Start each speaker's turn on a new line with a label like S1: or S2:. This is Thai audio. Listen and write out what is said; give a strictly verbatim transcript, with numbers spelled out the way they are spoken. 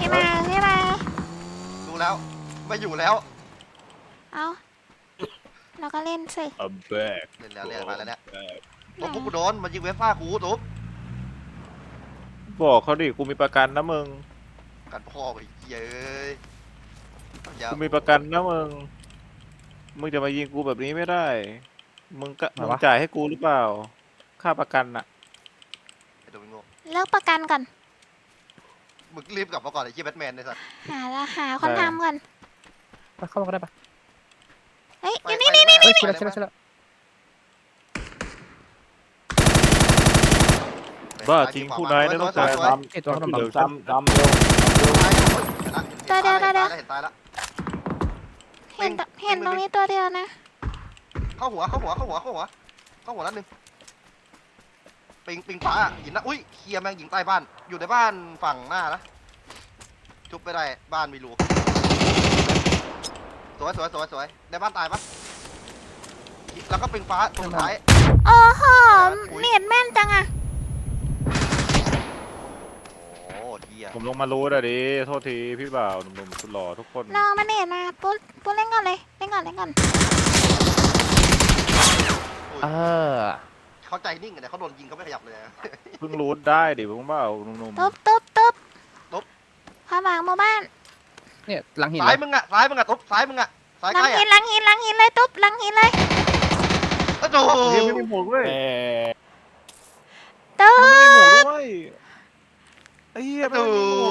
S1: มาพี่มา
S2: ดูแล้วไม่อยู่แล้ว
S1: เอาเราก็เล่นสิ
S3: อัมแบก
S2: เล่นแล้วเล่นมาแล้วเนี่ย
S1: ไหน
S2: ตุ๊บกูโดนมันยิงเวฟ้ากูตุ๊บ
S3: บอกเขาดิกูมีประกันนะมึง
S2: กันพ่อไปเย้ย
S3: กูมีประกันนะมึงมึงจะมายิงกูแบบนี้ไม่ได้มึงก็มึงจ่ายให้กูหรือเปล่าค่าประกันอะ
S2: ไอ้โดมิโง่
S1: เลิกประกันก่อน
S2: มึงรีบกลับมาก่อนไอ้เหี้ยแบทแมนไอ้สัส
S1: หาละหาคนทำก่อน
S4: ไปเข้ามาก็ได้ปะ
S1: เฮ้ย
S2: ไป
S1: อยู่
S2: ไป
S1: นี่นี่
S2: เลย
S4: เฮ้ย
S2: ไป
S4: ชิ
S2: เล
S4: ล
S2: ย
S4: ชิลชิล
S3: บ้าจริงผู้นายนะต้องการทำ
S4: ไอตัวขนม
S3: เดี๋ยว
S4: ปัง
S3: ทำทำเร็ว
S2: ตายแล้วเห็นตายแล้ว
S1: เห็นตเห็นตรงนี้ตัวเดียวนะ
S2: เข้าหัวเข้าหัวเข้าหัวเข้าหัวเข้าหัวนัดหนึ่งปิงปิงฟ้าหินนะอุ้ยเคลียร์แม่งยิงใต้บ้านอยู่ในบ้านฝั่งหน้านะจุบไปได้บ้านมีรูสวยสวยสวยสวยในบ้านตายปะแล้วก็ปิงฟ้าตรงสุดท้าย
S1: โอ้โหเน็ตแม่นจังอะ
S2: โอ้เดีย
S3: ผมลงมารู้อะดิโทษทีพี่บ่าวหนุ่มๆสุดหล่อทุกคน
S1: ลองมาเน็ตมาปุ๊บปุ๊บเล่นก่อนเลยเล่นก่อนเล่นก่อน
S4: เออ
S2: เขาใจนิ่งกันเนี่ยเขาโดนยิงเขาไม่ขยับเลย
S3: เพิ่งรู้ได้ดิผมว่าหนุ่ม
S1: ตุ๊บตุ๊บตุ๊บ
S2: ตุ๊บ
S1: ความหวังหมู่บ้าน
S4: เนี่ยหลังหิน
S2: ซ้ายมึงอะซ้ายมึงอะตุ๊บซ้ายมึงอะซ้าย
S1: หลั
S2: ใก
S1: ง
S2: ล้
S1: หิน
S2: อะ
S1: หลังหินหลังหินเลยตุ๊บหลังหินเลย
S2: โอ้โห
S3: ๆเฮ้ยไม่มีหมวกด้วย
S1: ตุ๊
S3: มันไม่มีหมวก
S1: บ
S3: ด้วยไอ้เหี้ยไม่มีหมวก